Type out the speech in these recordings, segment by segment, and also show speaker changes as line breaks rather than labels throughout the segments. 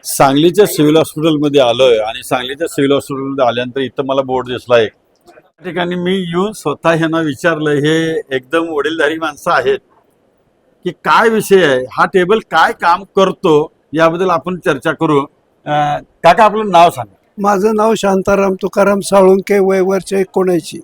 सांगलीच्या सिव्हिल हॉस्पिटलमध्ये आलोय आणि सांगलीच्या सिव्हिल हॉस्पिटलमध्ये आल्यानंतर इथं मला बोर्ड दिसला एक. त्या ठिकाणी मी येऊन स्वतः ह्यांना विचारलं, हे एकदम वडीलधारी माणसं आहेत, की काय विषय आहे, हा टेबल काय काम करतो याबद्दल आपण चर्चा करू. काका आपलं नाव सांगा.
माझं नाव शांताराम तुकाराम साळुंके, वय वर्ष 79.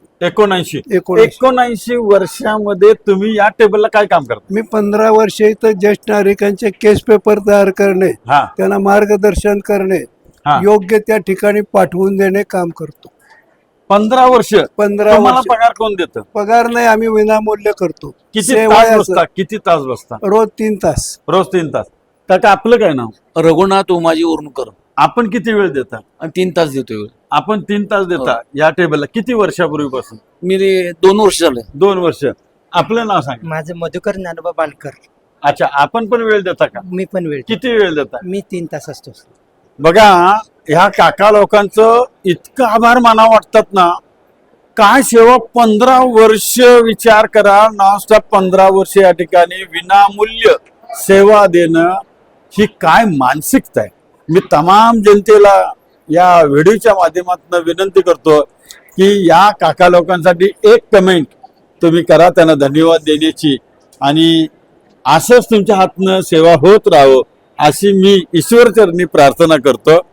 79 वर्षामध्ये तुम्ही या टेबलला काय काम करता?
मी 15 वर्ष इथं ज्येष्ठ नागरिकांचे केस पेपर तयार करणे,
हा
त्यांना मार्गदर्शन करणे,
हा.
योग्य त्या ठिकाणी पाठवून देणे काम करतो.
15 वर्ष
15
तुम्हाला
वर्ष
पगार कोण देतं?
पगार नाही, आम्ही विनामूल्य करतो.
किती
सेवा
तास
आहे
बसता? किती तास बसता?
रोज 3 तास.
रोज 3 तास. काका आपलं काय नाव?
रघुनाथ उमाजी उरणकर.
आपण किती वेळ देता?
आणि 3 तास देतोय.
आपण 3 तास देता या टेबलला. किती वर्षापूर्वीपासून?
मी 2 वर्ष झाले.
2 वर्ष. आपलं नाव सांगा.
माझं मधुकर ज्ञानोबा बालकर.
अच्छा, आपण पण वेळ देता का?
मी पण वेळ
किती वेळ देता?
मी 3 तास असतो.
बघा, ह्या काका लोकांचं इतकं आभार मानावं वाटतात ना. काय सेवा, 15 वर्ष विचार करा, नॉनस्टॉप 15 वर्ष या ठिकाणी विनामूल्य सेवा देणं, ही काय मानसिकता आहे. मी तमाम जनतेला या व्हिडिओच्या माध्यमातून विनंती करतो की या काका लोकांसाठी एक कमेंट तुम्ही करा, त्यांना धन्यवाद देण्याची, आणि असंच तुमच्या हातनं सेवा होत राहावं अशी मी ईश्वरचरणी प्रार्थना करतो.